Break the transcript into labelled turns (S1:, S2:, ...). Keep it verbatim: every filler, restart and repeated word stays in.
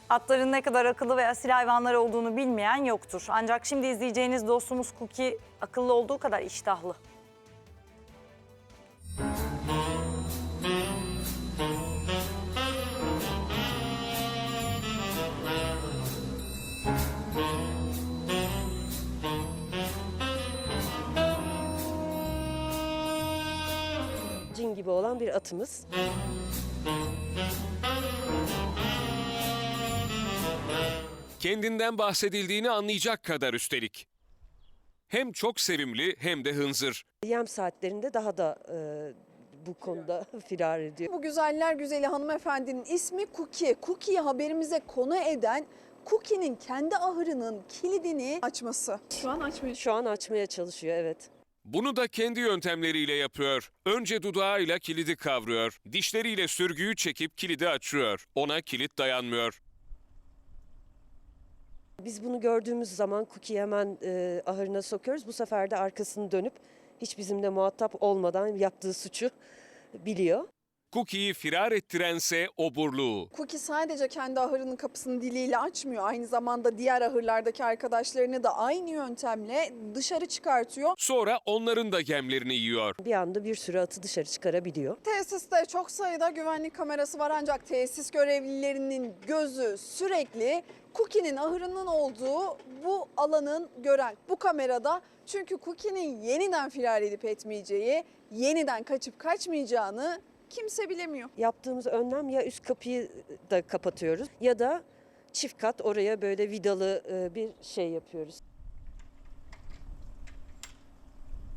S1: Atların ne kadar akıllı ve asil hayvanlar olduğunu bilmeyen yoktur. Ancak şimdi izleyeceğiniz dostumuz Cookie akıllı olduğu kadar iştahlı.
S2: Cin gibi olan bir atımız.
S3: Kendinden bahsedildiğini anlayacak kadar üstelik. Hem çok sevimli hem de hınzır.
S2: Yem saatlerinde daha da e, bu konuda firar ediyor.
S4: Bu güzeller güzeli hanımefendinin ismi Cookie. Cookie'yi haberimize konu eden Cookie'nin kendi ahırının kilidini açması. Şu an açmıyor.
S2: Şu an açmaya çalışıyor, evet.
S3: Bunu da kendi yöntemleriyle yapıyor. Önce dudağıyla kilidi kavruyor. Dişleriyle sürgüyü çekip kilidi açıyor. Ona kilit dayanmıyor.
S2: Biz bunu gördüğümüz zaman Cookie'yi hemen e, ahırına sokuyoruz. Bu sefer de arkasını dönüp hiç bizimle muhatap olmadan yaptığı suçu biliyor.
S3: Cookie'yi firar ettirense oburluğu.
S4: Cookie sadece kendi ahırının kapısını diliyle açmıyor. Aynı zamanda diğer ahırlardaki arkadaşlarını da aynı yöntemle dışarı çıkartıyor.
S3: Sonra onların da yemlerini yiyor.
S2: Bir anda bir sürü atı dışarı çıkarabiliyor.
S4: Tesiste çok sayıda güvenlik kamerası var ancak tesis görevlilerinin gözü sürekli Cookie'nin ahırının olduğu bu alanın gören. Bu kamerada çünkü Cookie'nin yeniden firar edip etmeyeceği, yeniden kaçıp kaçmayacağını kimse bilemiyor.
S2: Yaptığımız önlem ya üst kapıyı da kapatıyoruz ya da çift kat oraya böyle vidalı e, bir şey yapıyoruz.